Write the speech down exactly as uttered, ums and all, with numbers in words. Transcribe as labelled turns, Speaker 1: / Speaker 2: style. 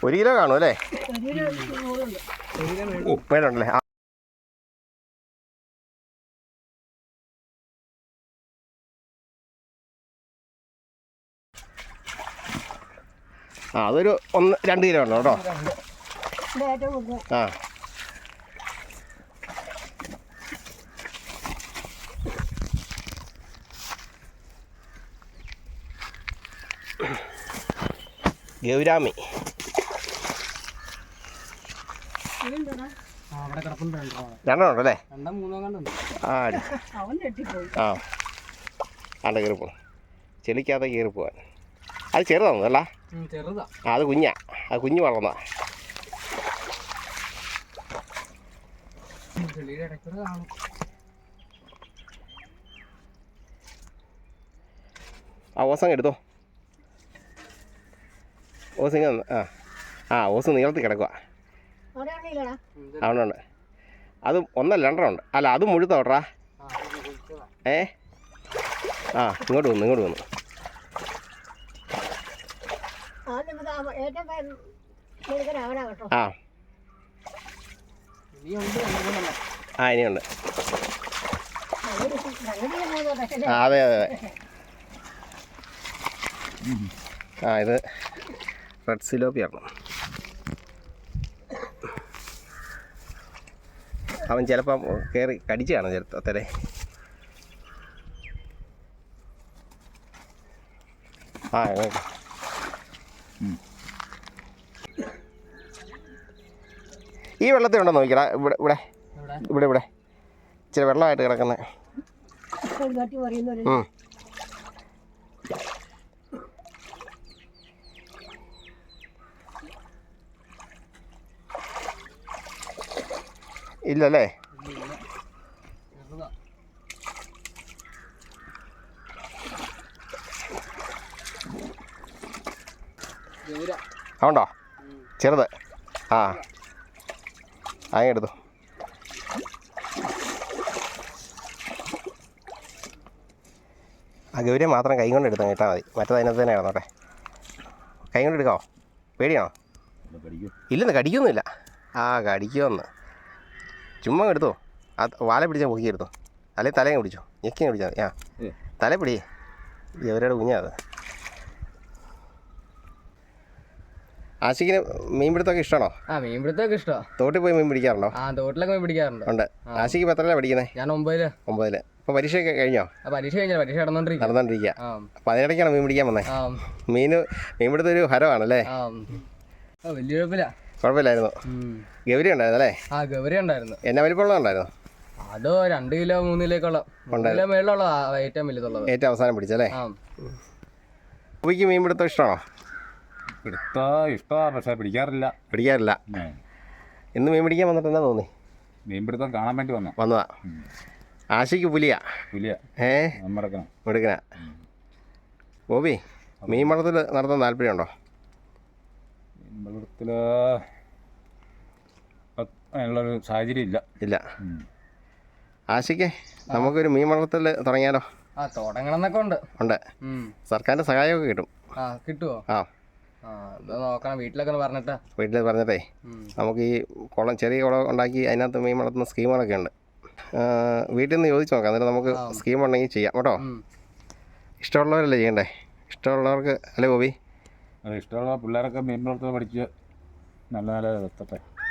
Speaker 1: ഒരു കിലോ കാണും അല്ലേ? ഉപ്പേലുണ്ടല്ലേ? ആ അതൊരു ഒന്ന് രണ്ട് കിലോ ഉണ്ടോ കേട്ടോ? ആ ഗൗരാമി രണ്ടെണ്ണം ഉണ്ടല്ലേ? ആ ആ ആണ്ട കയറി പോകണം, ചെളിക്കാതെ കയറി പോവാൻ. അത് ചെറുതാണോ അല്ല? ആ അത് കുഞ്ഞാ, അത് കുഞ്ഞ് വളർന്നാ. ആ ഓസം എടുത്തോ, ഓസിങ് ആ ആ ഓസ് നീളത്തിൽ കിടക്കുക. അവിടെ അത് ഒന്നല്ല രണ്ടെണ്ണം ഉണ്ട്. അല്ല അത് മുഴുത്തോട്ടാ. ഏ ആ ഇങ്ങോട്ട് വന്നു, ഇങ്ങോട്ട് വന്നു. ആ ആ ഇനിയുണ്ട്. ആ അതെ അതെ അതെ. ആ ഇത് റെഡ് സിലോപ്പിയാണ്. അവൻ ചിലപ്പം കയറി കടിച്ചാണ് ചെറുത്തരെ. ആ ഈ വെള്ളത്തിൽ ഉണ്ടോ നോക്കിക്കടാ. ഇവിടെ ഇവിടെ ഇവിടെ ഇവിടെ ഇച്ചിരി വെള്ളമായിട്ട് കിടക്കുന്നത്. ഇല്ലല്ലേ? അതുണ്ടോ ചെറുത്? ആ അങ്ങനെ എടുത്തു. ആ ഗൗരി മാത്രം കൈ കൊണ്ട് എടുത്താൽ കേട്ടാൽ മതി, മറ്റേത് അതിനകത്ത് തന്നെ കിടന്നോട്ടെ. കൈ കൊണ്ട് എടുക്കാമോ? പേടിയാണോ? ഇല്ലെന്ന് കടിക്കൊന്നുമില്ല. ആ കടിക്കുമെന്ന് ചുമ്മാ എടുത്തോ. ആ വാല പിടിച്ചാൽ പൊക്കി എടുത്തോ, അല്ലെങ്കിൽ തലയും പിടിച്ചോ, ഞെക്കിയും പിടിച്ചാൽ മതി. ആ തല പിടി, ഗൗരിയുടെ കുഞ്ഞാ അത്. ആശിക്കിന് മീൻ പിടുത്തമൊക്കെ ഇഷ്ടമാണോ?
Speaker 2: ആ മീൻ പിടുത്തമൊക്കെ ഇഷ്ടമാണ്.
Speaker 1: തോട്ടിൽ പോയി മീൻ പിടിക്കാറുണ്ടോ?
Speaker 2: ആ തോട്ടിലൊക്കെ മീൻ പിടിക്കാറുണ്ട്.
Speaker 1: ഉണ്ട്. ആശിക്ക് ഇപ്പോൾ എത്രയാണ് പഠിക്കുന്നത്?
Speaker 2: ഞാൻ ഒമ്പതില്.
Speaker 1: ഒമ്പതില്. ഇപ്പോൾ പരീക്ഷയൊക്കെ കഴിഞ്ഞോ?
Speaker 2: ആ പരീക്ഷ കഴിഞ്ഞാൽ പരീക്ഷ നടന്നുകൊണ്ടിരിക്കുക.
Speaker 1: നടന്നുകൊണ്ടിരിക്കുക. അപ്പോൾ അതിനിടയ്ക്കാണ് മീൻ പിടിക്കാൻ വന്നത്. മീൻ മീൻ പിടുത്തം ഒരു ഹരമാണല്ലേ?
Speaker 2: വലിയ കുഴപ്പമില്ല.
Speaker 1: കുഴപ്പമില്ലായിരുന്നു. ഗൗരി ഉണ്ടായിരുന്നു അല്ലേ?
Speaker 2: ആ ഗൗരി ഉണ്ടായിരുന്നു.
Speaker 1: എന്നാ വലിപ്പമുള്ള ഉണ്ടായിരുന്നു?
Speaker 2: അതോ രണ്ട് കിലോ മൂന്ന് കിലോക്കുള്ള കിലോ മേളിലുള്ള ഏറ്റവും വലുതുള്ളത്.
Speaker 1: ഏറ്റവും അവസാനം പിടിച്ചല്ലേ? ഉപ്പിക്ക് മീൻ പിടുത്തം ഇഷ്ടമാണോ?
Speaker 3: പിടുത്തം ഇഷ്ടമാണ്, പക്ഷേ പിടിക്കാറില്ല.
Speaker 1: പിടിക്കാറില്ല. ഇന്ന് മീൻ പിടിക്കാൻ വന്നിട്ട് എന്നാ തോന്നി?
Speaker 3: മീൻ പിടുത്തം കാണാൻ വേണ്ടി വന്നു
Speaker 1: വന്നതാ. ആശിക്ക് പുലിയാ?
Speaker 3: പുലിയാ.
Speaker 1: ഏ
Speaker 3: എടുക്കണം
Speaker 1: എടുക്കണ. ബോബി മീൻ വളർത്തൽ നടത്താൻ താല്പര്യമുണ്ടോ?
Speaker 3: മീൻ വളർത്തൽ അതിനുള്ളൊരു സാഹചര്യം ഇല്ല.
Speaker 1: ഇല്ല. ആശിക്ക് നമുക്കൊരു മീൻ വളർത്തൽ തുടങ്ങിയാലോ?
Speaker 2: ആ തുടങ്ങണം എന്നൊക്കെ ഉണ്ട്.
Speaker 1: ഉണ്ട്. സർക്കാരിൻ്റെ സഹായമൊക്കെ കിട്ടും.
Speaker 2: ആ കിട്ടുമോ?
Speaker 1: ആ
Speaker 2: നോക്കണം, വീട്ടിലൊക്കെ പറഞ്ഞിട്ടാ.
Speaker 1: വീട്ടിൽ പറഞ്ഞിട്ടേ നമുക്ക് ഈ കുളം, ചെറിയ കുളം ഉണ്ടാക്കി അതിനകത്ത് മീൻ വളർത്തുന്ന സ്കീമുകളൊക്കെ ഉണ്ട്. വീട്ടിൽ നിന്ന് ചോദിച്ചു നോക്കാം, എന്നിട്ട് നമുക്ക് സ്കീം ഉണ്ടെങ്കിൽ ചെയ്യാം കേട്ടോ. ഇഷ്ടമുള്ളവരല്ലേ ചെയ്യണ്ടേ? ഇഷ്ടമുള്ളവർക്ക് അല്ലേ ബോബി?
Speaker 3: ഇഷ്ടമുള്ള പിള്ളേരൊക്കെ മീൻ വളർത്തൽ പഠിച്ച് നല്ല നല്ല എത്തട്ടെ.